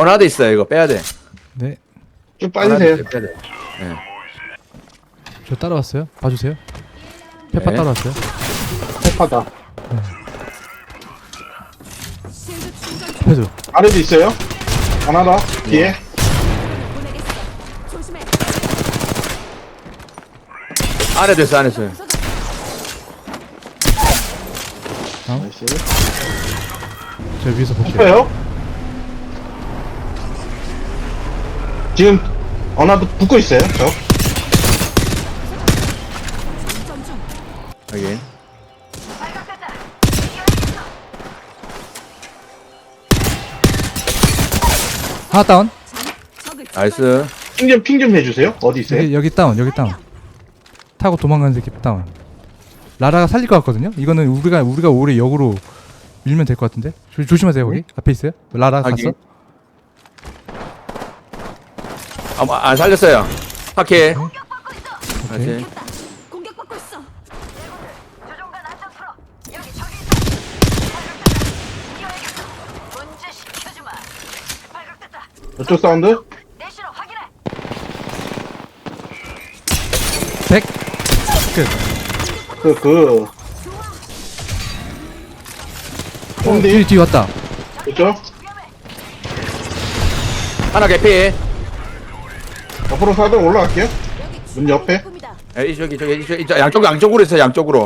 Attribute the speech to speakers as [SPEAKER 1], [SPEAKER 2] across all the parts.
[SPEAKER 1] 어나드 있어요. 이거 빼야 돼.
[SPEAKER 2] 네.
[SPEAKER 3] 좀 빠지세요.
[SPEAKER 1] 빼야 돼. 네.
[SPEAKER 2] 저 따라왔어요. 봐주세요. 페파
[SPEAKER 1] 네.
[SPEAKER 2] 따라왔어요.
[SPEAKER 3] 페파다.
[SPEAKER 2] 페드.
[SPEAKER 3] 아래도 있어요. 하나 더. 뒤에.
[SPEAKER 1] 안에 됐어, 안에 있어요.
[SPEAKER 3] 나이스.
[SPEAKER 2] 저 위에서 볼게요.
[SPEAKER 3] 있어요. 지금 어나도 붙고 있어요. 저.
[SPEAKER 1] 여기.
[SPEAKER 2] 하나 다운.
[SPEAKER 1] 나이스.
[SPEAKER 3] 핑 좀 해주세요. 어디 있어요?
[SPEAKER 2] 여기 다운. 여기 다운. 타고 도망가는 새끼 다운. 라라가 살릴 것 같거든요. 이거는 우리가 오래 역으로 밀면 될 것 같은데. 조심하세요 거기. 앞에 있어요. 라라
[SPEAKER 1] 확인.
[SPEAKER 2] 갔어.
[SPEAKER 1] 안 살렸어요. 파케.
[SPEAKER 2] 오케이.
[SPEAKER 1] 다시.
[SPEAKER 4] 공격받고 있어. 조종관 안전 풀어. 여기 적이 있다. 발각됐다. 문제 시켜주마. 발각됐다.
[SPEAKER 3] 저쪽 사운드.
[SPEAKER 4] 내시로 확인해.
[SPEAKER 2] 100. 끝.
[SPEAKER 3] 홈디.
[SPEAKER 2] 뒤 왔다.
[SPEAKER 3] 그쵸?
[SPEAKER 1] 하나 개피.
[SPEAKER 3] 앞으로 사들 올라갈게요. 문 옆에.
[SPEAKER 1] 저기, 양쪽으로 있어요, 양쪽으로.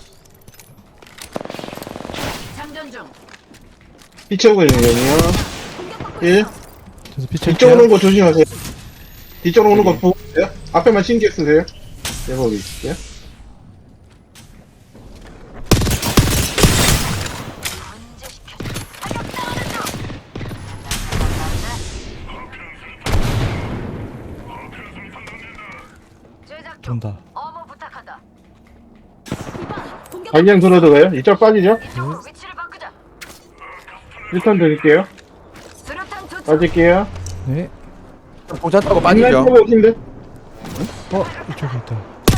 [SPEAKER 4] 장전 중.
[SPEAKER 3] 피쳐오고 있는 거예요. 1.
[SPEAKER 2] 그래서 피쳐.
[SPEAKER 3] 뒤쪽으로 오는 거 조심하세요. 뒤쪽으로 오는 거 보고 있어요. 앞에만 신경 쓰세요. 대박이 있어요.
[SPEAKER 4] 제작 중.
[SPEAKER 2] 돈다.
[SPEAKER 4] 어머 부탁한다.
[SPEAKER 3] 방향 들어도 가요? 이쪽 빠지죠?
[SPEAKER 4] 위치를 바꾸자.
[SPEAKER 3] 1턴 드릴게요.
[SPEAKER 4] 수류탄 투척.
[SPEAKER 3] 빠질게요.
[SPEAKER 2] 네.
[SPEAKER 1] 봉차 타고 빠지죠.
[SPEAKER 3] 어딘데?
[SPEAKER 2] 이쪽에 있다.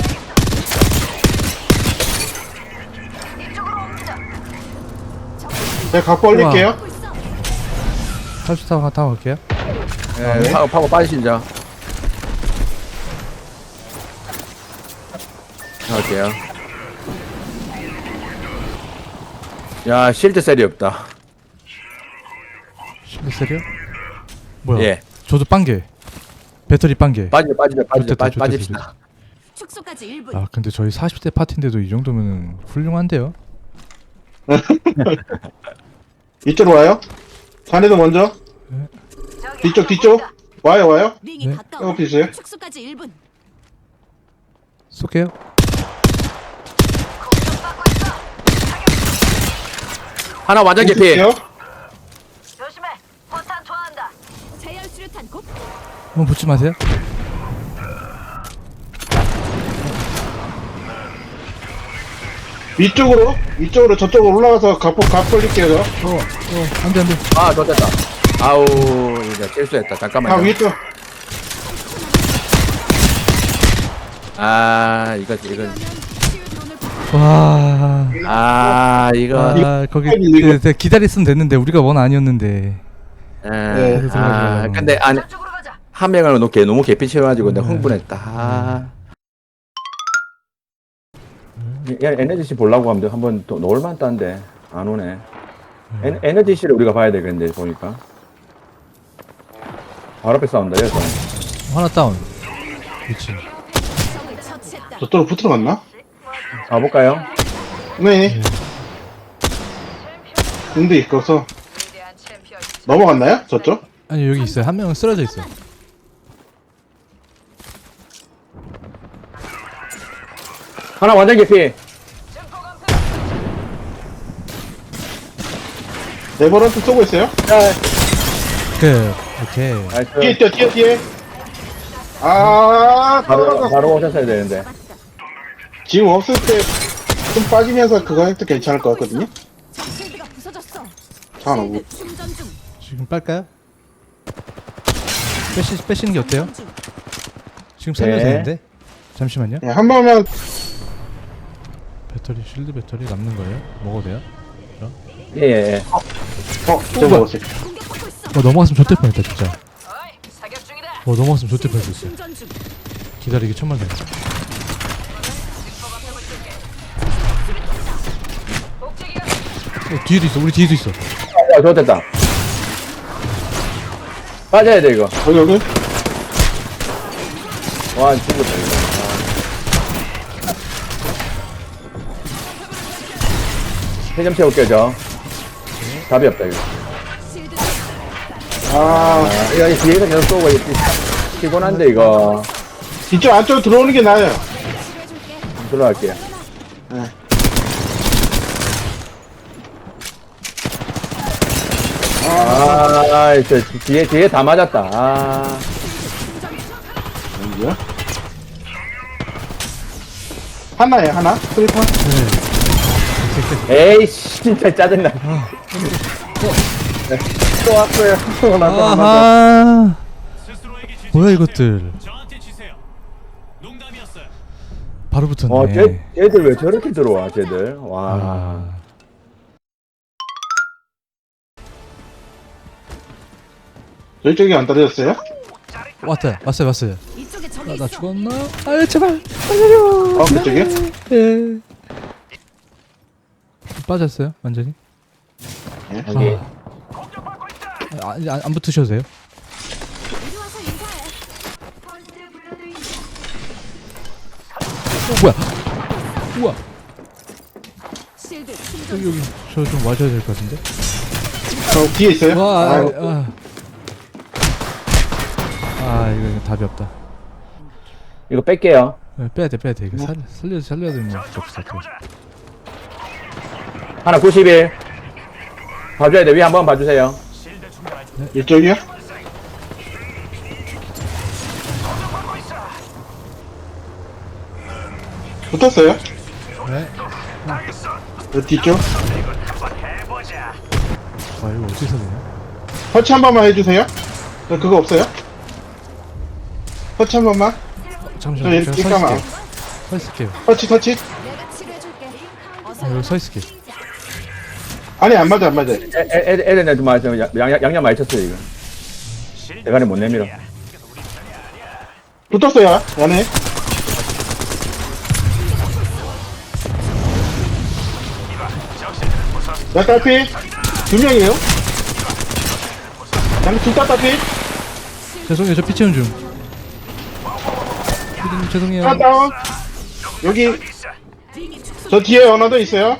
[SPEAKER 4] 이쪽으로 옵니다.
[SPEAKER 3] 제가 갖고 올릴게요.
[SPEAKER 2] 34가 타고 갈게요.
[SPEAKER 1] 네, 파고 빠지시죠. 할게요. 야, 실드 셀이 없다.
[SPEAKER 2] 실드 세려? 뭐야?
[SPEAKER 1] 예.
[SPEAKER 2] 저도 빵개. 배터리 빵개.
[SPEAKER 1] 빠집시다.
[SPEAKER 2] 좋겠다,
[SPEAKER 1] 빠집시다.
[SPEAKER 4] 축소까지 1분.
[SPEAKER 2] 아 근데 저희 40대 파티인데도 이 정도면 훌륭한데요?
[SPEAKER 3] 이쪽으로 와요. 자네도 먼저.
[SPEAKER 4] 저기
[SPEAKER 3] 뒤쪽. 와요.
[SPEAKER 4] 링이
[SPEAKER 2] 네.
[SPEAKER 4] 가까워.
[SPEAKER 3] 옆에 있어요.
[SPEAKER 4] 축소까지 1분.
[SPEAKER 2] 쏠게요.
[SPEAKER 4] 공격받고 있어.
[SPEAKER 1] 하나 완전 개피.
[SPEAKER 3] 있을게요.
[SPEAKER 4] 조심해. 포탄 투하한다. 세열 수류탄 곧.
[SPEAKER 2] 한번 붙지 마세요.
[SPEAKER 3] 위쪽으로 저쪽으로 올라가서 갑 올릴게요. 저.
[SPEAKER 2] 안돼 안돼.
[SPEAKER 1] 아, 좋됐다. 아우, 이제 실수했다. 잠깐만요.
[SPEAKER 3] 위쪽.
[SPEAKER 1] 아, 이건.
[SPEAKER 2] 와.
[SPEAKER 1] 아, 이거.
[SPEAKER 2] 아 거기
[SPEAKER 3] 이거-
[SPEAKER 2] 기다렸으면 됐는데 우리가 원 아니었는데.
[SPEAKER 1] 예. 아,
[SPEAKER 2] 들어가죠.
[SPEAKER 1] 근데
[SPEAKER 4] 저쪽으로 가자.
[SPEAKER 1] 한 명을 너무 개피 채워가지고 내가 흥분했다. 아. 야, 에너지씨 보려고 하면 한번 또 놀만 딴데 안 오네. 에너지씨를 우리가 봐야 되겠는데 보니까. 바로 앞에 싸운다 여기서.
[SPEAKER 2] 하나 다운. 그렇지.
[SPEAKER 4] 적을 처치했다.
[SPEAKER 3] 저쪽으로 붙으러 갔나?
[SPEAKER 1] 가볼까요?
[SPEAKER 3] 네. 근데 있어서
[SPEAKER 4] 위대한 챔피언.
[SPEAKER 3] 넘어갔나요? 저쪽?
[SPEAKER 2] 아니 여기 있어요. 한 명은 쓰러져 있어.
[SPEAKER 1] 하나 완전 개피.
[SPEAKER 3] 네버런트 쏘고 있어요?
[SPEAKER 2] 그 오케이.
[SPEAKER 1] 나이스.
[SPEAKER 3] 뒤에. 아, 떨어졌어.
[SPEAKER 1] 바로 오셨어야 되는데.
[SPEAKER 3] 지금 없을 때 좀 빠지면서 그거 해도 괜찮을 것 같거든요?
[SPEAKER 4] 적 실드가 부서졌어.
[SPEAKER 3] 잠깐만, 뭐.
[SPEAKER 4] 실드 충전 중.
[SPEAKER 2] 지금 빨까요? 빼시는 게 어때요?
[SPEAKER 4] 충전 중.
[SPEAKER 2] 지금 살려야
[SPEAKER 1] 네.
[SPEAKER 2] 되는데. 잠시만요.
[SPEAKER 3] 네, 한 번만
[SPEAKER 2] 배터리 실드 배터리 남는 거예요? 먹어도 돼요?
[SPEAKER 1] 예.
[SPEAKER 3] 저 먹었어요.
[SPEAKER 4] 공격받고 있어.
[SPEAKER 2] 넘어갔으면 좋될 뻔했다 진짜.
[SPEAKER 4] 어이, 사격 중이다.
[SPEAKER 2] 넘어갔으면 좋될 뻔했어.
[SPEAKER 4] 충전 중.
[SPEAKER 2] 기다리기 천만 다.
[SPEAKER 4] 복제기가
[SPEAKER 2] 뒤에도 있어. 우리 뒤에도 있어.
[SPEAKER 1] 야, 좋됐다. 빠져야 돼, 이거.
[SPEAKER 3] 여기.
[SPEAKER 1] 와, 죽었다, 이거. 세점 채울게요, 저. 답이 없다, 이거.
[SPEAKER 4] 실드
[SPEAKER 3] 아,
[SPEAKER 1] 이거 뒤에서 계속 쏘고, 이거 피곤한데, 이거.
[SPEAKER 3] 뒤쪽 안쪽으로 들어오는 게 나아요.
[SPEAKER 4] 치료해줄게.
[SPEAKER 1] 들어갈게요.
[SPEAKER 3] 네.
[SPEAKER 1] 저 뒤에 다 맞았다. 아.
[SPEAKER 3] 여기요? 하나에 하나? 스리퍼?
[SPEAKER 1] 에이씨, 진짜 짜증나. 네, 또 왔어요. 또 나서
[SPEAKER 2] 아하.
[SPEAKER 5] 스스로에게 지지
[SPEAKER 2] 뭐야,
[SPEAKER 5] 마세요.
[SPEAKER 2] 이것들.
[SPEAKER 5] 저한테 지세요. 농담이었어요.
[SPEAKER 2] 바로 붙었네.
[SPEAKER 1] 쟤들 왜 저렇게 들어와, 쟤들. 와.
[SPEAKER 2] 아.
[SPEAKER 3] 저쪽이 안 떨어졌어요?
[SPEAKER 2] 왔어요.
[SPEAKER 4] 이쪽에 적이
[SPEAKER 2] 나
[SPEAKER 4] 있어.
[SPEAKER 2] 죽었나? 아 제발 살려줘.
[SPEAKER 3] 그쪽이요?
[SPEAKER 2] 예. 빠졌어요 완전히.
[SPEAKER 1] 여기.
[SPEAKER 2] 이제 안 붙으셔도 돼요.
[SPEAKER 4] 이리 와서 인사해.
[SPEAKER 2] 뭐야? 우와.
[SPEAKER 4] 실드 충전.
[SPEAKER 2] 여기 저 좀 와줘야 될 것 같은데.
[SPEAKER 3] 저 뒤에 있어요?
[SPEAKER 2] 와.
[SPEAKER 3] 아이고.
[SPEAKER 2] 이거 답이 없다.
[SPEAKER 1] 이거 뺄게요.
[SPEAKER 2] 빼야 돼. 이거 살려야 되는 거 없어.
[SPEAKER 1] 하나 91. 봐줘야 돼. 위 한번 봐주세요.
[SPEAKER 3] 이쪽이요? 붙었어요?
[SPEAKER 2] 네.
[SPEAKER 3] 저 뒤쪽?
[SPEAKER 2] 와 이거 어디서 되냐?
[SPEAKER 3] 터치 한 번만 해주세요. 저 그거 없어요? 터치 한 번만.
[SPEAKER 2] 잠시만.
[SPEAKER 3] 저 이렇게
[SPEAKER 2] 제가
[SPEAKER 3] 까만.
[SPEAKER 2] 서 있을게요.
[SPEAKER 3] 터치.
[SPEAKER 4] 내가 치료해줄게. 어서
[SPEAKER 2] 여기 서 있을게.
[SPEAKER 3] 아니 안 맞아.
[SPEAKER 1] 애들 좀 맞아. 양념 많이 쳤어요, 이거. 대가리 못 내밀어.
[SPEAKER 3] 붙었어요. 안에. 몇 달피? 2명이에요? 양둘다 딸피?
[SPEAKER 2] 죄송해요. 저 피 채운 중. 피디님 죄송해요.
[SPEAKER 3] 하나 다운. 여기 저 뒤에 언어도 있어요.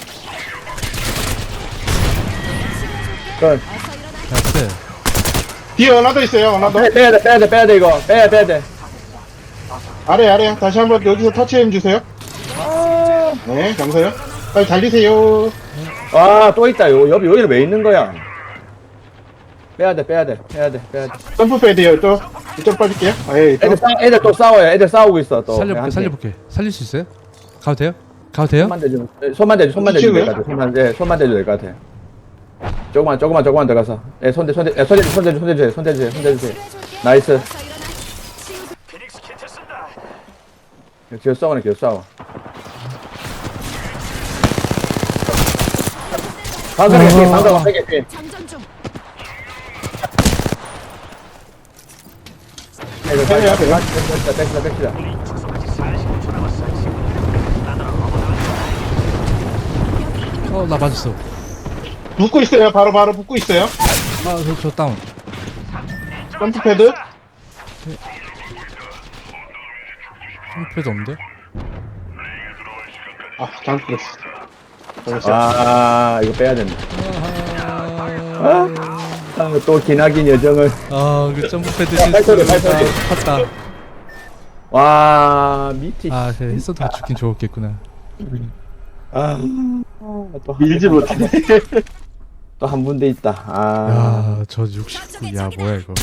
[SPEAKER 1] 그,
[SPEAKER 2] 나이스.
[SPEAKER 3] 뒤에 언어도 있어요. 언어도.
[SPEAKER 1] 빼야 돼, 이거. 빼야 돼.
[SPEAKER 3] 아래. 다시 한번 여기서 터치해 주세요. 네, 감사해요. 빨리 달리세요.
[SPEAKER 1] 와, 또 있다. 여기는 왜 있는 거야? 빼야 돼.
[SPEAKER 3] 점프 빼야 돼요. 또 이쪽 빠질게요. 에이, 또.
[SPEAKER 1] 애들 또 싸워요. 애들 싸우고 있어, 또.
[SPEAKER 2] 살려볼게. 살릴 수 있어요? 가도 돼요? 가도 돼요?
[SPEAKER 1] 손만 대주면 될
[SPEAKER 3] 치우고요?
[SPEAKER 1] 것 같아. 손만 대주면 될 것 같아. 조금만 들어가서. 손 대주세요. 나이스.
[SPEAKER 4] 어서 일어나. 치유
[SPEAKER 5] 피닉스 키트 쓴다.
[SPEAKER 1] 계속 싸워. 방금 피.
[SPEAKER 4] 장전 중.
[SPEAKER 1] 애들
[SPEAKER 3] 해야 돼요?
[SPEAKER 1] 뺍시다.
[SPEAKER 2] 나 맞았어.
[SPEAKER 3] 붙고 있어요. 바로 붙고 있어요.
[SPEAKER 2] 저 다운.
[SPEAKER 3] 점프 패드.
[SPEAKER 2] 홈페이지 없는데?
[SPEAKER 3] 아, 잘못 그랬어.
[SPEAKER 1] 이거 빼야 된다. 또 기나긴 여정을.
[SPEAKER 2] 그 점프패드
[SPEAKER 1] 발소리.
[SPEAKER 2] 팠다.
[SPEAKER 1] 와, 미치.
[SPEAKER 2] 그래, 했어도 죽긴 좋았겠구나.
[SPEAKER 1] 또
[SPEAKER 3] 밀지 못해.
[SPEAKER 1] 또 한 분대 있다.
[SPEAKER 2] 저 69. 뭐야 이거.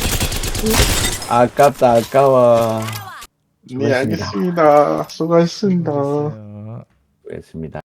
[SPEAKER 1] 아까워.
[SPEAKER 3] 네, 알겠습니다. 수고하셨습니다.
[SPEAKER 1] 수고했습니다.